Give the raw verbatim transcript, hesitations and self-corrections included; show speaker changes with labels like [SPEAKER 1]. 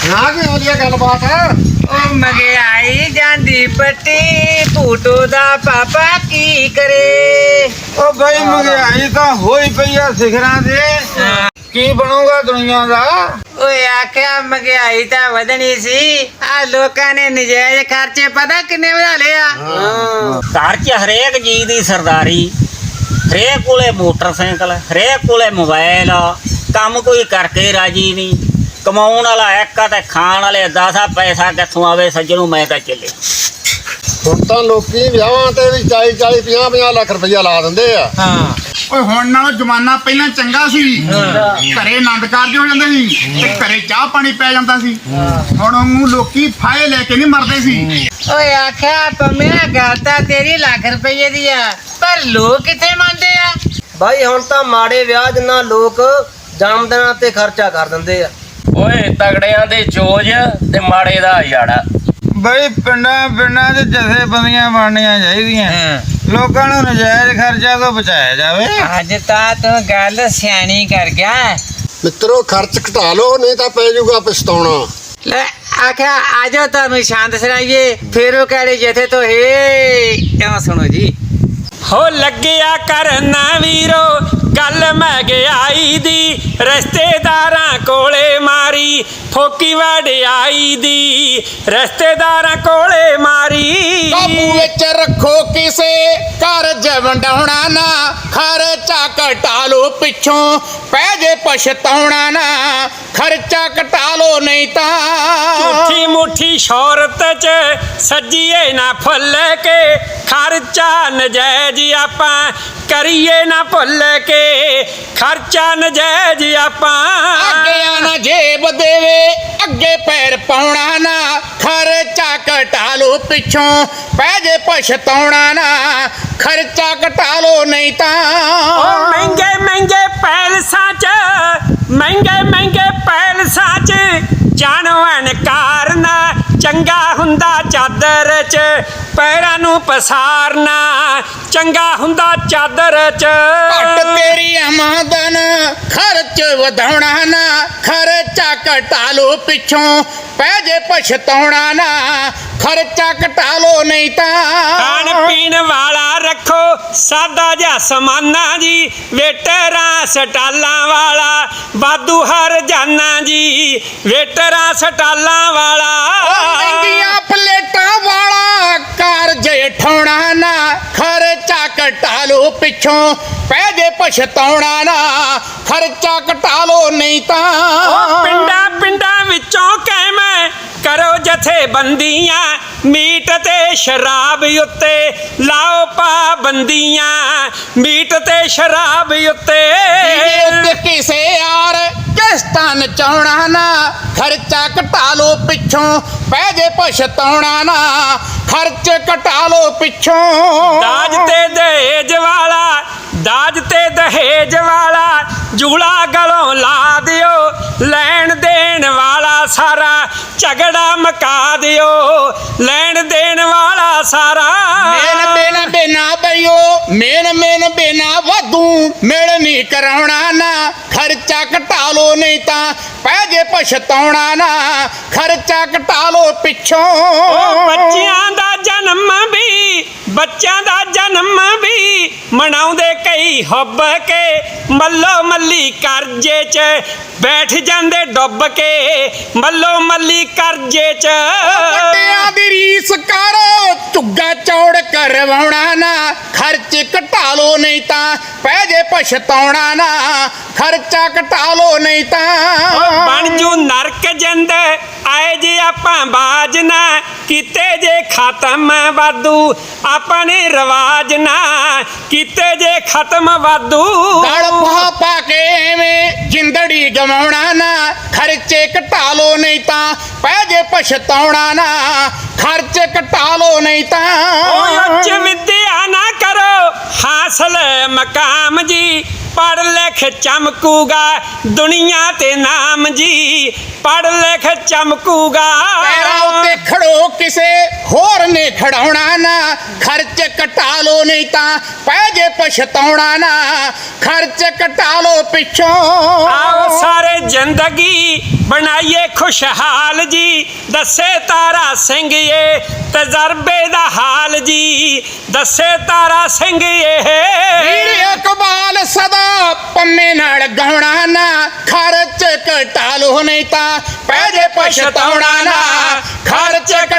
[SPEAKER 1] हाँ की होली गलबात है
[SPEAKER 2] ओ महंगाई जांदी पट्टी भूटो दा पापा की करे
[SPEAKER 1] ओ भाई महंगाई तो हो ही पई है सिखरां दे की बनूगा दुनिया दा
[SPEAKER 2] ओए आख्या महंगाई ਤਾਂ ਵਧਣੀ ਸੀ ਆ ਲੋਕਾਂ ਨੇ ਨਜਾਇਜ਼ ਖਰਚੇ ਪਤਾ ਕਿੰਨੇ ਵਧਾ ਲਿਆ
[SPEAKER 3] ਘਰ 'ਚ ਹਰੇਕ ਜੀ ਦੀ ਸਰਦਾਰੀ ਹਰੇਕ ਕੋਲੇ ਮੋਟਰਸਾਈਕਲ ਹਰੇਕ ਕੋਲੇ ਮੋਬਾਈਲ ਕੰਮ ਕੋਈ ਕਰਕੇ ਰਾਜੀ ਨਹੀਂ ਕਮਾਉਣ ਵਾਲਾ ਇੱਕ ਤੇ ਖਾਣ ਵਾਲੇ ਦਸ ਪੈਸਾ ਕਿੱਥੋਂ ਆਵੇ ਸੱਜਣੋਂ ਮੈਂ ਤਾਂ ਚੱਲੇ
[SPEAKER 1] ਹੁਣ ਤਾਂ ਲੋਕੀ ਵਿਆਹਾਂ ਤੇ ਵੀ ਚਾਲੀ ਚਾਲੀ ਪੰਜਾਹ ਪੰਜਾਹ ਲੱਖ ਰੁਪਈਆ ਲਾ ਦਿੰਦੇ ਆ
[SPEAKER 2] ਹਾਂ
[SPEAKER 4] ਓਏ ਹੁਣ ਨਾਲੋਂ ਜ਼ਮਾਨਾ ਪਹਿਲਾਂ ਚੰਗਾ ਸੀ ਘਰੇ ਆਨੰਦ ਕਾਰਜ ਹੋ ਜਾਂਦੇ ਸੀ ਤੇ ਘਰੇ ਚਾਹ ਪਾਣੀ ਪੈ ਜਾਂਦਾ ਸੀ ਹੁਣ ਉਹ ਲੋਕੀ ਫਾਇ ਲੈ ਕੇ ਨਹੀਂ ਮਰਦੇ ਸੀ
[SPEAKER 2] ਓਏ ਆਖਿਆ ਪੰਮਿਆ ਗੱਲ ਤਾਂ ਤੇਰੀ ਲੱਖ ਰੁਪਏ ਦੀ ਆ ਪਰ ਲੋਕ ਕਿੱਥੇ ਮੰਨਦੇ ਆ
[SPEAKER 5] ਭਾਈ ਹੁਣ ਤਾਂ ਮਾੜੇ ਵਿਆਹ ਜਿੰਨਾ ਲੋਕ ਜਨਮ ਦਿਨਾਂ ਤੇ ਖਰਚਾ ਕਰ ਦਿੰਦੇ ਆ
[SPEAKER 6] ਓਏ ਤਗੜਿਆਂ ਦੇ ਚੋਜ ਤੇ ਮਾੜੇ ਦਾ ਹਜ਼ਾੜਾ
[SPEAKER 1] ਬਈ ਪਿੰਡਾਂ ਪਿੰਡਾਂ 'ਚ ਜਥੇਬੰਦੀਆਂ ਬਣਨੀਆਂ ਚਾਹੀਦੀਆਂ ਲੋਕਾਂ ਨੂੰ ਨਜਾਇਜ਼ ਖਰਚਾ ਤੋਂ ਬਚਾਇਆ ਜਾਵੇ
[SPEAKER 2] ਅੱਜ ਤਾਂ ਤੂੰ ਗੱਲ ਸਿਆਣੀ ਕਰ ਗਿਆ
[SPEAKER 1] ਮਿੱਤਰੋ ਖਰਚ ਘਟਾ ਲਓ ਨਹੀਂ ਤਾਂ ਪੈ ਜਾਊਗਾ ਪਛਤਾਉਣਾ
[SPEAKER 2] ਲੈ ਆਖਿਆ ਆਜੋ ਤੁਹਾਨੂੰ ਸ਼ਾਂਤ ਸੁਣਾਈਏ ਫੇਰੋ ਕਾਲੇ ਜਥੇ ਤੋਂ ਹੇ ਕਿਉਂ ਸੁਣੋ ਜੀ
[SPEAKER 7] ਹੋ ਲੱਗਿਆ ਕਰਨਾ ਵੀਰੋ ਗੱਲ ਮਹਿੰਗਾਈ ਦੀ ਰਿਸ਼ਤੇਦਾਰਾਂ ਕੋਲੇ ਮਾਰੀ ਫੋਕੀ ਵਡਿਆਈ ਦੀ ਰਿਸ਼ਤੇਦਾਰਾਂ ਕੋਲੇ ਮਾਰੀ
[SPEAKER 4] ਕਾਬੂ ਵਿੱਚ ਰੱਖੋ ਕਿਸੇ ਕਰਜ਼ ਵੰਡਾਉਣਾ ਨਾ ਖਰਚਾ ਘਟਾ ਲੋ ਪਿੱਛੋਂ ਪੈ ਜੇ ਪਛਤਾਉਣਾ ਨਾ ਖਰਚਾ ਘਟਾ ਲੋ ਨਹੀਂ ਤਾਂ
[SPEAKER 7] ਝੂਠੀ ਮੁੱਠੀ ਸ਼ੌਹਰਤ 'ਚ ਸੱਜੀਏ ਨਾ ਫੁੱਲ ਕੇ ਖਰਚਾ ਨਜਾਇਜ਼ ਆਪਾਂ ਕਰੀਏ ਨਾ ਭੁੱਲ ਕੇ ਖਰਚਾ ਨਜਾਇਜ਼ ਆਪਾਂ
[SPEAKER 4] ਅੱਗੇ ਨਾ ਜੇਬ ਦੇਵੇ ਅੱਗੇ ਪੈਰ ਪਾਉਣਾ ਨਾ ਖਰਚਾ ਘਟਾ ਲੋ ਪਿੱਛੋਂ ਪੈ ਜੇ ਪਛਤਾਉਣਾ ਨਾ ਖਰਚਾ ਘਟਾ ਲੋ ਨਹੀਂ ਤਾਂ
[SPEAKER 7] ਉਹ ਮਹਿੰਗੇ ਮਹਿੰਗੇ ਪੈਲਸਾਂ 'ਚ ਮਹਿੰਗੇ ਮਹਿੰਗੇ ਪੈਲਸਾਂ 'ਚ ਜਾਣਵਣ ਕਾਰਨਾ ਚੰਗਾ ਹੁੰਦਾ ਚਾਦਰ 'ਚ ਪੈਰਾਂ ਨੂੰ ਪਸਾਰਨਾ ਚੰਗਾ ਹੁੰਦਾ ਚਾਦਰ 'ਚ
[SPEAKER 4] ਘੱਟ ਤੇਰੀ ਆਮਦਨ ਖਰਚ ਵਧਾਉਣਾ ਨਾ ਖਰਚਾ ਘਟਾ ਲੋ ਪਿੱਛੋਂ ਪੈ ਜੇ ਪਛਤਾਉਣਾ ਨਾ ਖਰਚਾ ਘਟਾ ਲੋ ਨਹੀਂ ਤਾਂ
[SPEAKER 7] ਖਾਣ ਪੀਣ ਵਾਲਾ ਰੱਖੋ ਸਾਦਾ ਜਿਹਾ ਸਮਾਨਾ ਜੀ ਵੇਟਰਾਂ ਸਟਾਲਾਂ ਵਾਲਾ ਵਾਧੂ ਹਰ ਜਾਨਾ ਜੀ ਵੇਟਰਾਂ ਸਟਾਲਾਂ ਵਾਲਾ
[SPEAKER 4] ਮਹਿੰਗੀਆਂ ਪਲੇਟਾਂ ਵਾਲਾ ਕਾਰਜ ਠਾਉਣਾ ਨਾ ਖਰਚਾ ਘਟਾ ਲੋ ਪਿੱਛੋਂ ਪੈ ਜੇ ਪਛਤਾਉਣਾ ਨਾ ਖਰਚਾ ਘਟਾ ਲੋ ਨਹੀਂ ਤਾਂ
[SPEAKER 7] ਉਹ ਪਿੰਡਾਂ ਪਿੰਡਾਂ ਵਿੱਚੋਂ ਕਹਿਮੈ ਕਰੋ ਜਥੇਬੰਦੀਆਂ ਮੀਟ ਤੇ ਸ਼ਰਾਬ ਉੱਤੇ ਲਾਓ ਪਾਬੰਦੀਆਂ ਮੀਟ ਤੇ ਸ਼ਰਾਬ ਉੱਤੇ
[SPEAKER 4] ਉੱਤੇ ਕਿਸੇ ਯਾਰ ਕਿਸ਼ਤਾਂ ਨਚਾਉਣਾ ਨਾ ਖਰਚਾ ਘਟਾ ਲੋ ਪਿੱਛੋਂ ਪੈ ਜੇ ਪਛਤਾਉਣਾ ਨਾ ਖਰਚ ਘਟਾ ਲੋ ਪਿੱਛੋਂ
[SPEAKER 7] ਦਾਜ ਤੇ ਦਹੇਜ ਵਾਲਾ ਦਾਜ ਤੇ ਦਹੇਜ ਵਾਲਾ ਜੂਲਾ ਗਲੋਂ ਲਾ ਦਿਓ ਲੈਣ ਦੇਣ ਵਾਲਾ ਸਾਰਾ ਝਗੜਾ ਮਕਾ ਦਿਓ ਲੈਣ ਦੇਣ ਵਾਲਾ ਸਾਰਾ
[SPEAKER 4] ਮੇਨ ਮੇਨ ਬਿਨਾ ਬਈਓ ਮੇਨ ਮੇਨ ਬਿਨਾ ਵਾਧੂ ਮੇਲ ਨਹੀਂ ਕਰਾਉਣਾ ਨਾ ਖਰਚਾ ਘਟਾ ਲੋ ਨਹੀਂ ਤਾਂ ਪੈ ਜੇ ਪਛਤਾਉਣਾ ਨਾ ਖਰਚਾ ਘਟਾ ਲੋ ਪਿੱਛੋਂ
[SPEAKER 7] ਉਹ ਬੱਚਿਆਂ ਦਾ ਜਨਮ ਵੀ ਬੱਚਿਆਂ ਦਾ ਜਨਮ ਵੀ ਮਨਾਉਂਦੇ ਕਈ ਹੁੱਬ ਕੇ ਮੱਲੋ ਮੱਲੀ ਕਰਜ਼ੇ 'ਚ ਬੈਠ ਜਾਂਦੇ ਡੁੱਬ ਕੇ ਮੱਲੋ ਮੱਲੀ ਕਰਜ਼ੇ 'ਚ
[SPEAKER 4] ਵੱਡਿਆਂ ਦੀ ਰੀਸ ਕਰ ਝੁੱਗਾ ਚੌੜ ਕਰਵਾਉਣਾ ਨਾ ਖਰਚ ਘਟਾ ਲੋ ਨਹੀਂ ਤਾਂ ਪੈ ਜੇ ਪਛਤਾਉਣਾ ਨਾ ਖਰਚਾ ਘਟਾ ਲੋ ਨਹੀਂ ਤਾਂ
[SPEAKER 7] ਬਣ ਜੂ ਨਰਕ ਜਿੰਦ ਆਏ ਜੇ ਆਪਾਂ ਬਾਜ ਨਾ ਕੀਤੇ ਜੇ ਖਤਮ ਵਾਧੂ ਆਪਾਂ ਨੇ ਰਿਵਾਜ ਨਾ ਕੀਤੇ ਜੇ ਖਤਮ ਵਾਧੂ
[SPEAKER 4] ਗਲ ਪਾ ਪਾ ਕੇ ਐਵੇਂ ਜਿੰਦੜੀ ਗਵਾਉਣਾ ਨਾ ਖਰਚੇ ਘਟਾ ਲੋ ਨਹੀਂ ਤਾਂ ਪੈ ਜੇ ਪਛਤਾਉਣਾ ਨਾ ਖਰਚ ਘਟਾ ਲੋ ਨਹੀਂ ਤਾਂ
[SPEAKER 7] ਓਏ ਉੱਚ ਵਿਦਿਆ ਨਾ ਕਰੋ ਹਾਸਲ ਮਕਾਮ ਜੀ ਪੜ੍ਹ ਲਿਖ ਚਮਕੂਗਾ ਦੁਨੀਆ ਤੇ ਨਾਮ ਜੀ ਪੜ੍ਹ ਲਿਖ ਚਮਕੂਗਾ
[SPEAKER 4] ਪੈਰਾਂ ਤੇ ਖੜੋ ਕਿਸੇ ਹੋਰ ਨੇ ਖੜਾਉਣਾ ਨਾ ਖਰਚ ਘਟਾ ਲੋ ਨਹੀਂ ਤਾਂ ਪੈ ਜੇ ਪਛਤਾਉਣਾ ਨਾ ਖਰਚ ਘਟਾ ਲੋ ਪਿੱਛੋਂ
[SPEAKER 7] ਆਓ ਸਾਰੇ ਜ਼ਿੰਦਗੀ ਬਣਾਈਏ ਖੁਸ਼ਹਾਲ ਜੀ ਦੱਸੇ ਤਾਰਾ ਸਿੰਘ ਇਹ ਤਜਰਬੇ ਦਾ ਹਾਲ ਜੀ ਦੱਸੇ ਤਾਰਾ ਸਿੰਘ ਇਹ
[SPEAKER 4] ਵੀਰ ਇਕਬਾਲ ਸਦਾ ਪੰਮੇ ਨਾਲ ਗਾਉਣਾ ਨਾ ਖਰਚ ਘਟਾ ਲੋ ਨਹੀਂ ਤਾਂ ਪੈ ਜੇ ਪਛਤਾਉਣਾ ਨਾ ਖਰਚ